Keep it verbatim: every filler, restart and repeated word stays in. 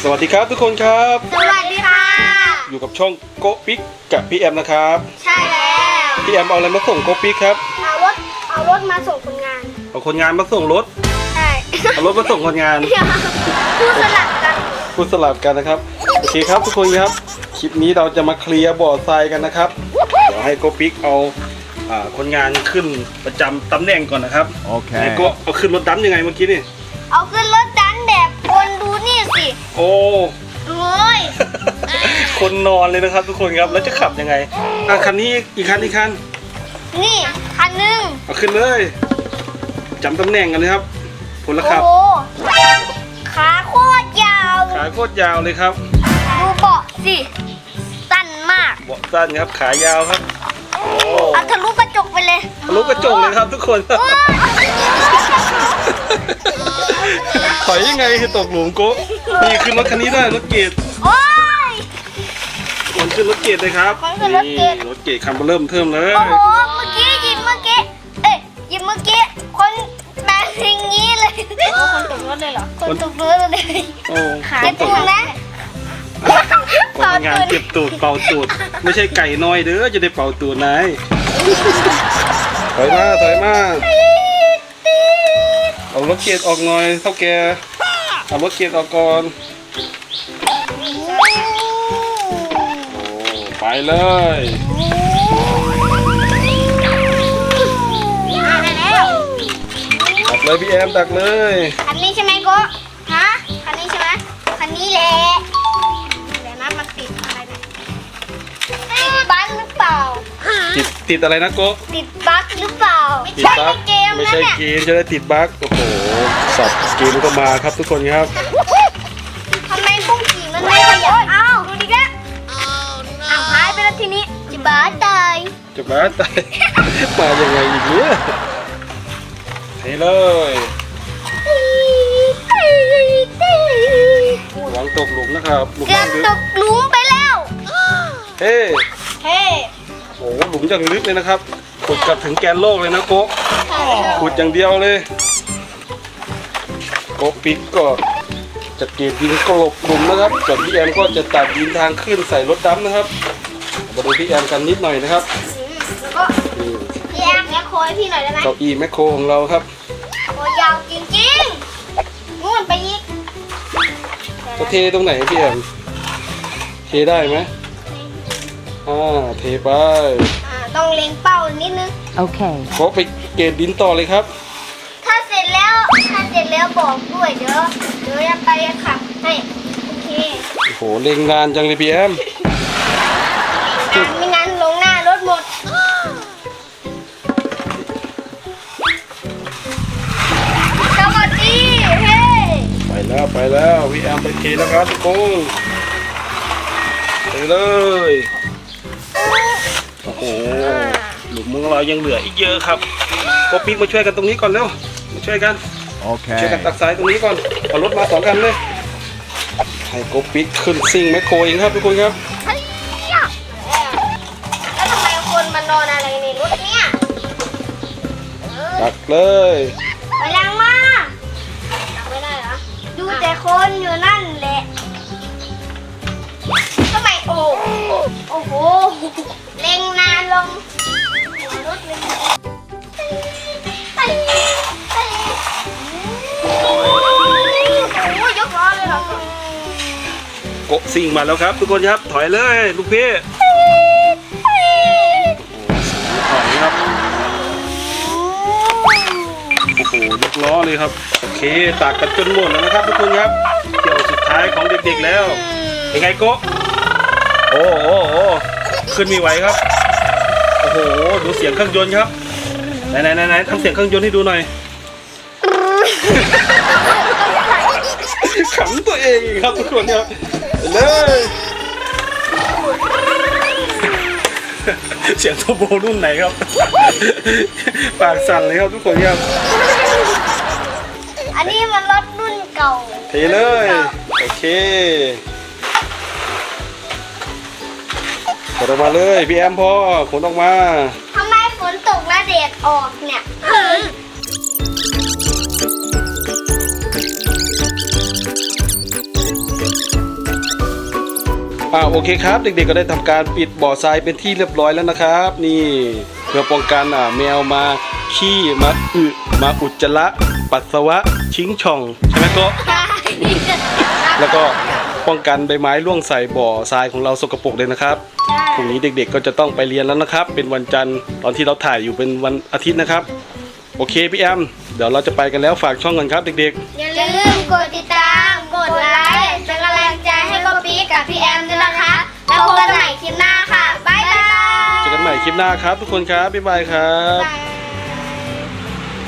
สวัสดีครับทุกคนครับสวัสดีค่ะอยู่กับช่องโกปิกกับพี่แอมนะครับใช่แล้วพี่แอมเอาอะไรมาส่งโกปิกครับเอารถเอารถมาส่งคนงานเอาคนงานมาส่งรถใช่เอารถมาส่งคนงานพูดสลับกันพูดสลับกันนะครับโอเคครับทุกคนครับคลิปนี้เราจะมาเคลียร์บ่อทรายกันนะครับเดี๋ยวให้โกปิกเอาอ่าคนงานขึ้นประจำตำแหน่งก่อนนะครับโอเคไหนโก็เอาขึ้นรถดำยังไงเมื่อกี้นี่เอาขึ้นรถดันแบบคนดูนี่สิโอ้โอ้ยคนนอนเลยนะครับทุกคนครับแล้วจะขับยังไงอ่ะคันนี้อีกคันอีกคันนี่คันหนึ่งเอาขึ้นเลยจำตำแหน่งกันเลยครับผลละครับโอ้โหขาโคตรยาวขาโคตรยาวเลยครับดูเบาะสิสั้นมากเบาะสั้นครับขายาวครับโอ้เอาทะลุกระจกไปเลยทะลุกระจกเลยครับทุกคนโอ้ยถอยยังไงคือตกหลุมโกะนี่ขึ้นรถคันนี้ได้รถเกตโอ้ยคนขึ้นรถเกตเลยครับคนขึ้นรถเกรดนี่รถเกตคันเริ่มเทิมเลยโอ้โหเมื่อกี้หยิบเมื่อกี้เอ้ยหยิบเมื่อกี้คนแบบอย่างนี้เลยโอ้คนตกรถเลยเหรอคนตกรถเลยโอ้ขาคนตตูกนนะคนงานเก็บตูดเป่าตูดไม่ใช่ไก่น้อยเด้อจะได้เป่าตูดนายถอยมาถอยมาเอารถเกตออกหน่อยเท่าแกเอารถเกตออกก่อนโอ้ไปเลยมาแล้วตักเลยพี่แอมตักเลยคันนี้ใช่ไหมโก้ฮะคันนี้ใช่ไหมคันนี้แหละเดี๋ยวนะมันติดอะไรเนี่ยติดบั๊กหรือเปล่าติดติดอะไรนะโกะติดบั๊กหรือเปล่าไม่ติดใช่บั๊กเกมไม่นะใช่เนี่ยเกมจะได้ติดบั๊กโอ้โหสับเกมก็มาครับทุกคนครับทำไมบุ้งกี่มันไม่ขยับอ้าวดูดิแกอ้าวหายไปแล้วทีนี้จิบ้าตายจะมาตาย มายังไงอีกเนี่ยเทเลยวางตกหลุมนะครับหลุมเกือบลึกตกหลุมไปแล้วเฮ้เฮ้โอ้โหหลุมอย่างลึกเลยนะครับขุดกลับถึงแกนโลกเลยนะโกะขุดอย่างเดียวเลยโกะปิกก็จะเก็บดินกลบหลุมนะครับส่วนพี่แอมก็จะตัดดินทางขึ้นใส่รถดำนะครับมาดูพี่แอมกันนิดหน่อยนะครับแล้วก็นี่พี่แอมแม่โคยพี่หน่อยได้ไหมเก้าอี้แมคโครของเราครับโอ้ยาวจริงๆนู่นไปอีกจะเทตรงไหนพี่แอมเทได้ไหมอ่าเทไปอ่าต้องเล็งเป้านิดนึง Okay. ขอไปเกณฑ์ดินต่อเลยครับถ้าเสร็จแล้วถ้าเสร็จแล้วบอกด้วยเดี๋ยวเดี๋ยวจะไปขับให้โอเคโอ้โหเล็งนานจังเลยพี่แอมงานไม่งั้นลงหน้ารถหมดสวัสดีเฮ้ไปแล้วไปแล้วพี่แอมไปเทแล้วครับทุกคนไปเลยโอ้โหหลุมของเรายังเหลืออีกเยอะครับก็ปิ๊กมาช่วยกันตรงนี้ก่อนเร็วมาช่วยกันช่วยกัน Okay. ตักทรายตรงนี้ก่อนเอารถมาสองคันเลยให้โกปิกขึ้นซิ่งแมคโครเองครับทุกคนครับแล้วทำไมคนมานอนอะไรในรถเนี่ยเออตักเลยไปแรงมากตักไม่ได้เหรอดูแต่คนอยู่นั่นแหละทำไมโอ้โอ้โหเล็งนานลงหัวรถเลยโอ้ยยกล้อเลยเหรอโกซิ่งมาแล้วครับทุกคนครับถอยเลยลูกพี่ถอยครับโอ้โหยกล้อเลยครับโอเคตากกันจนหมดแล้วนะครับทุกคนครับเที่ยวสุดท้ายของเด็กๆแล้วเป็นไงโกโอ้โหโอ้ขึ้นไม่ไหวครับโอ้โหดูเสียงเครื่องยนต์ครับไหนไหนไหนไหนทำเสียงเครื่องยนต์ให้ดูหน่อยขำตัวเองอีกครับทุกคนครับไปเลยเสียงโทโบรุ่นไหนครับปากสั่นเลยครับทุกคนครับอันนี้มันรถรุ่นเก่าเทเลยโอเคขนออกมาเลยพี่แอมพ่อขนออกมาทำไมฝนตกและแดดออกเนี่ยอ่าโอเคครับเด็กๆก็ได้ทำการปิดบ่อทรายเป็นที่เรียบร้อยแล้วนะครับ นี่เพื่อป้องกันอ่าแมวมาขี้มาอึมาอุจจาระปัสสาวะชิงช่องใช่ไหมโก็ แล้วก็ป้องกันใบไม้ร่วงใส่บ่อทรายของเราสกปรกเลยนะครับพรุ่งนี้เด็กๆก็จะต้องไปเรียนแล้วนะครับ เป็นวันจันทร์ตอนที่เราถ่ายอยู่เป็นวันอาทิตย์นะครับ โอเคพี่แอมเดี๋ยวเราจะไปกันแล้วฝากช่องกันครับเด็กๆอย่าลืมกดติดตาม กดไลค์เป็นกำลังใจให้โกปีกับพี่แอมด้วยนะคะ แล้วพบกันใหม่คลิปหน้าค่ะ บ๊ายบายเจอกันใหม่คลิปหน้าครับทุกคนครับ บ๊ายบายครับบ๊ายบาย